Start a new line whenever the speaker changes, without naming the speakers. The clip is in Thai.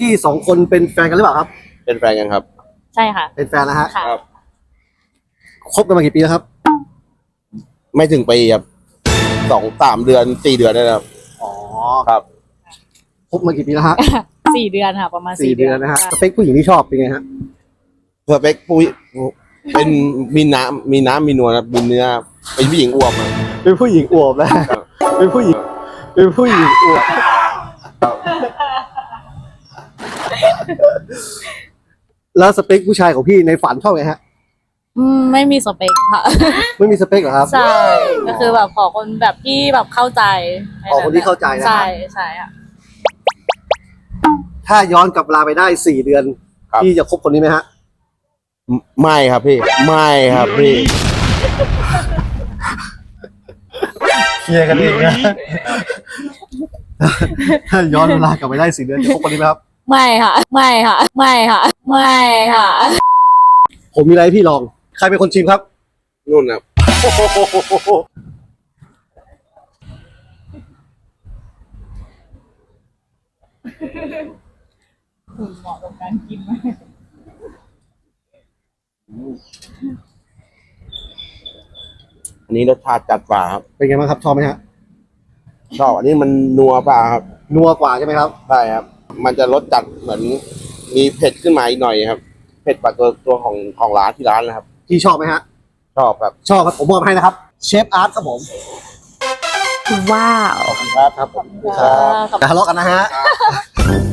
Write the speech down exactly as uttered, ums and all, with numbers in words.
พี่สองคนเป็นแฟนกันหรือเปล่าครับ
เป็นแฟนกันครับ
ใช่ค่ะ
เป็นแฟนนะฮะ
ครับ
คบกันมากี่ปีแล้วครับ
ไม่ถึงปีครับสองสามเดือนสี่เดือนได้แล้วครับ
อ๋อ
ครับ
คบมากี่ปีแล้วฮะ
สี่เดือนค่ะประมาณ
สี่เดือนนะฮะสเปคผู้หญิงที่ชอบเป็นไงฮะ
สเปคปุ้ยเป็นมีน้ำมีน้ำมีนวลครับมีเนื้อเป็นผู้หญิงอวบครับ
เป็นผู้หญิงอวบนะเป็นผู้หญิงเป็นผู้หญิงอวบแล้วสเปคผู้ชายของพี่ในฝันชอบไงฮะ
อืมไม่มีสเปคค่ะ
ไม่มีสเปคเหรอครับ
ใช่ก็คือแบบขอคนแบบที่แบบเข้าใจ
ขอคนที่เข้าใจนะ
ใช่ใช่ค่ะ
ถ้าย้อนกลับเวลาไปได้สี่เดือนพี่จะคบคนนี้ไหมฮะ
ไม่ครับพี่ไม่ครับพี่
เคลียร์กันเองนะถ้าย้อนเวลากลับไปได้สี่เดือนจะคบคนนี้ไหมครับ
ไม่ค่ะไม่ค่ะไม่ค่ะไม่ค่ะ
ผมมีอะไรให้พี่ลองใครเป็นคนชิมครับ
นู่นครับ
คุณเหมาะกับการกินมาก
อันนี้รสชาติจัดกว่าครับ
เป็นไงบ้างครับชอบไหมฮะ
ชอบอันนี้มันนัวกว่าครับ
นัวกว่าใช่ไหมครับ
ใช่ครับมันจะรสจัดเหมือนมีเผ็ดขึ้นมาอีกหน่อยครับเผ็ดกว่าตัวตัวของของร้านที่ร้านนะครับ
พี่ชอบไหมฮะ
ชอบครับ
ชอบครับผมมอบให้นะครับเชฟอาร์ตครับผม
ว้าว
ขอบคุณครับครับผมอย่าทะเลาะกันนะฮะ